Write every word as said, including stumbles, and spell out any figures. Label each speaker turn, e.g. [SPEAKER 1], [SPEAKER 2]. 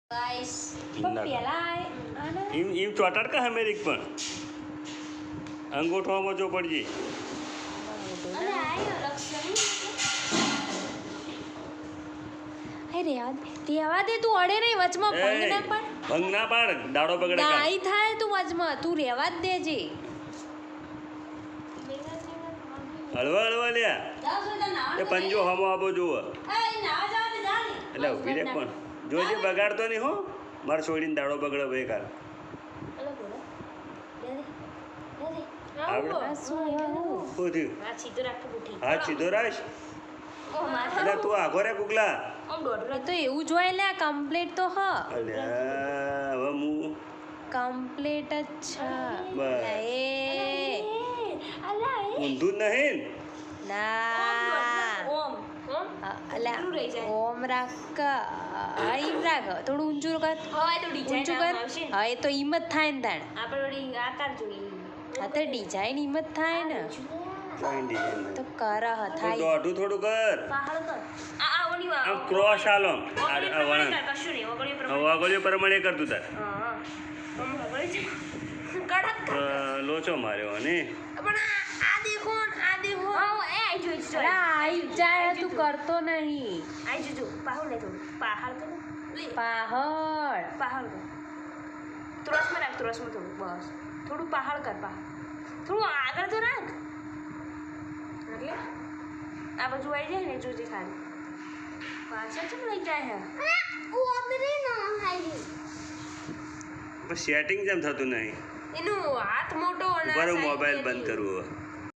[SPEAKER 1] Guys પણ પેલા આને
[SPEAKER 2] ઈમ ઈમ ચોટાડ કા અમેરિક પણ અંગૂઠામાં જો પડજી
[SPEAKER 1] અને આયો લક્ષણ હે રેવા દેવા દે તું અડે નહીં વચમાં ભંગ ના પાડ
[SPEAKER 2] ભંગ ના પાડ દાડો બગડે કા
[SPEAKER 1] નાઈ થાય તું વચમાં તું રેવા જ દેજે
[SPEAKER 2] હળવા હળવા લ્યા એ પંજો હમો આબો જુઓ એટલે ઉભી રે પણ જોજે બગાડતો નહીં હો મારે છોડીને દાડો બગડે બેકાર હા સીધો રાખ એટલે તું આઘો રે ગુગલા
[SPEAKER 1] તો એવું જોઈ લે કમ્પ્લીટ તો હ
[SPEAKER 2] અલ્યા હવે હું
[SPEAKER 1] કમ્પ્લીટ જ છે
[SPEAKER 2] બસ.
[SPEAKER 1] એ
[SPEAKER 2] ઊંધું જ નહીં
[SPEAKER 1] ના અલ્યા ઓમ રાખ હા ઈમ રાખ થોડું ઊંચું કર ઊંચું કર હા એ તો ઈમ જ થાય ને તાણ હા તો ડિઝાઇન ઈમ જ થાય ને
[SPEAKER 2] કઈ ડિઝાઇન
[SPEAKER 1] તો કર હ
[SPEAKER 2] તો
[SPEAKER 1] થાય
[SPEAKER 2] દોઢું થોડું કર આમ ક્રોસ આલો વાગળ્યો પ્રમાણે કર તું તાર અ, લોચો માર્યો ને
[SPEAKER 1] આઈ જાય તું કરતો નહીં પહાડ
[SPEAKER 3] થોડું પહાડ કર પહાડ થોડું આગળ તો રાખ એટલે આ બાજુ આવી જાય ને જોજે ખાલી પાછળ ચમ લઈ જાય હે
[SPEAKER 2] સેટિંગ જેમ થતું નહીં
[SPEAKER 3] એનું હાથ મોટો અને
[SPEAKER 2] બરો મોબાઈલ બંધ કરવું